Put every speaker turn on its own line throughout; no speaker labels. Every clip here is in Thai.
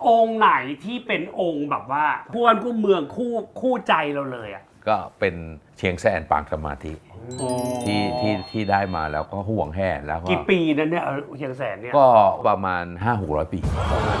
องค์ไหนที่เป็นองค์แบบว่าคู่บ้านคู่เมืองคู่ใจเราเลยอ่ะ
ก็เป็นเชียงแสนปางสมาธิที่ได้มาแล้วก็ห่วงแห่แล้วก็
กี่ปีนั้นเนี่ยเชียงแสนเนี่ย
ก็ประมาณ 500-600 ปี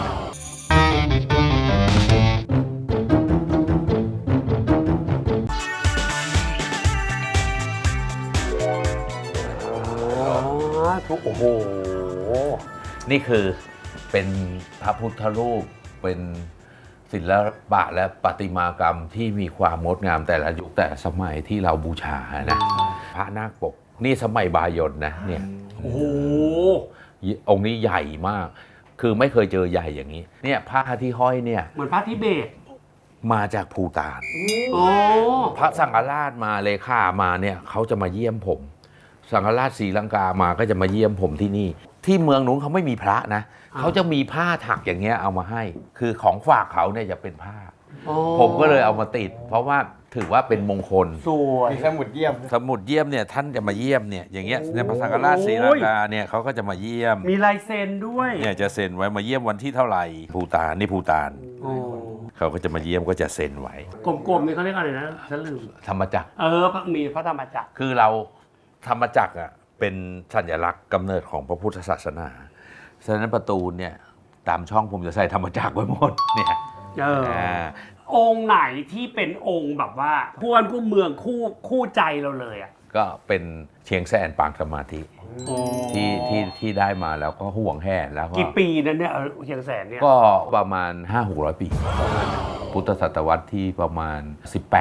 โอ้โห
นี่คือเป็นพระพุทธรูปเป็นศิลปะและประติมากรรมที่มีความงดงามแต่ละยุคแต่สมัยที่เราบูชานะพระนาคปกนี่สมัยบายนนะเนี่ย
โอ้โห
องค์นี้ใหญ่มากคือไม่เคยเจอใหญ่อย่างนี้เนี่ยพระที่ห้อยเนี่ย
เหมือนพระทิเบต
มาจากภูฏาน
โอ้
พระสังฆราชมาเลขามาเนี่ยเขาจะมาเยี่ยมผมสังฆราชศรีลังกามาก็จะมาเยี่ยมผมที่นี่ที่เมืองนู้นเขาไม่มีพระนะเขาจะมีผ้าถักอย่างเงี้ยเอามาให้คือของฝากเขาเนี่ยจะเป็นผ้าผมก็เลยเอามาติดเพราะว่าถือว่าเป็นมงคล
สวย
มีสมุดเยี่ยม
เนี่ยท่านจะมาเยี่ยมเนี่ยอย่างเงี้ยในพระสังฆราชศรีลังกาเนี่ยเขาก็จะมาเยี่ยม
มีลายเซ็นด้วย
เนี่ยจะเซ็นไว้มาเยี่ยมวันที่เท่าไหร่ภูฏานนี่ภูฏานเขาก็จะมาเยี่ยมก็จะเซ็นไว้
กลมๆนี่เขาเรียกอะไรนะฉันลืม
ธรรมจักร
มีพระธรรมจักร
คือเราธรรมจักรอ่ะเป็นสัญลักษณ์กำเนิดของพระพุทธศาสนาฉะนั้นประตูเนี่ยตามช่องผมจะใส่ธรรมจักรไว้หมดเนี่ย
องค์ไหนที่เป็นองค์แบบว่าคู่บ้านคู่เมืองคู่ใจเราเลยอ่ะ
ก็เป็นเชียงแสนปางสมาธิที่ได้มาแล้วก็ห่วงแห่แล้วก็
กี่ปีนั้นเนี่ยเชียงแสนเนี่ย
ก็ประมาณ 500-600 ปีพุทธศตวรรษที่ประมาณ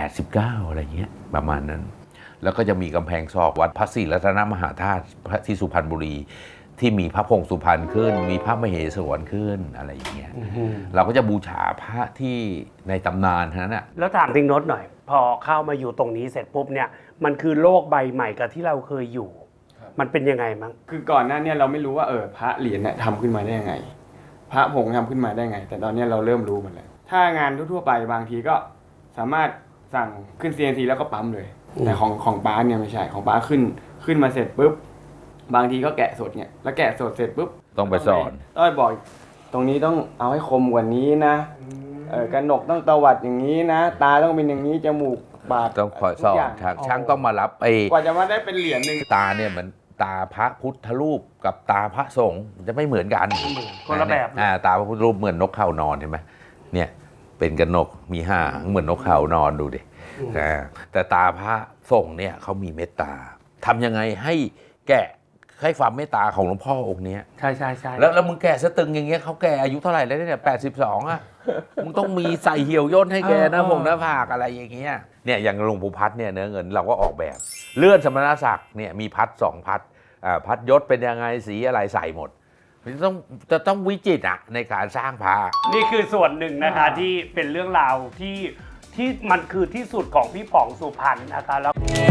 18-19 อะไรเงี้ยประมาณนั้นแล้วก็จะมีกำแพงซอกวัดพระศรีรัตนมหาธาตุที่สุพรรณบุรีที่มีพระพงศ์สุพรรณขึ้นมีพระมเหสวนขึ้นอะไรอย่างเงี้ยเราก็จะบูชาพระที่ในตำนานนั้นน่ะ
แล้วถามทิ้งโน้ตหน่อยพอเข้ามาอยู่ตรงนี้เสร็จปุ๊บเนี่ยมันคือโลกใบใหม่กับที่เราเคยอยู่มันเป็นยังไงมั้ง
คือก่อนหน้านี้เราไม่รู้ว่าพระเหรียญเนี่ยทำขึ้นมาได้ยังไงพระผงทำขึ้นมาได้ไงแต่ตอนนี้เราเริ่มรู้หมดแล้วถ้างานทั่วๆไปบางทีก็สามารถสั่งขึ้น CNC แล้วก็ปั๊มเลยแต่ของป้าเนี่ยไม่ใช่ของป้าขึ้นมาเสร็จปุ๊บบางทีก็แกะสดเนี่ยแล้วแกะสดเสร็จปุ๊บ
ต้องไปสอน
ต้องไปบอกตรงนี้ต้องเอาให้คมกว่านี้นะกระหนกต้องตวัดอย่างนี้นะตาต้องเป็นอย่างนี้จมูกปาก
ต้องคอยสอนช่างต้องมารับ
กว่าจะมาได้เป็นเหรียญนึง
ตาเนี่ยเหมือนตาพระพุทธรูปกับตาพระสงฆ์จะไม่เหมือนกัน
คนละแบบ
ตาพระพุทธรูปเหมือนนกเขานอนเห็นไหมเนี่ยเป็นกระหนกมีหางเหมือนนกเขานอนดูดิแต่ตาพระสงฆ์เนี่ยเขามีเมตตาทำยังไงให้แกะให้ความเมตตาของหลวงพ่อองค์นี้
ใช่
แล้วมึงแก่สตึงอย่างเงี้ยเขาแก่อายุเท่าไหร่แล้วเนี่ย82อ่ะมึงต้องมีใส่เหี่ยวย่นให้แกนะผมหน้าผากอะไรอย่างเงี้ยเนี่ยอย่างหลวงปู่พัดเนี่ยเนื้อเงินเราก็ออกแบบเลื่อนสมณศักดิ์เนี่ยมีพัด2พัดพัดยศเป็นยังไงสีอะไรใส่หมดจะต้องวิจิตรอ่ะในการสร้างพระ
นี่คือส่วนหนึ่งนะคะที่เป็นเรื่องราวที่มันคือที่สุดของพี่ป๋องสุพรรณนะคะแล้ว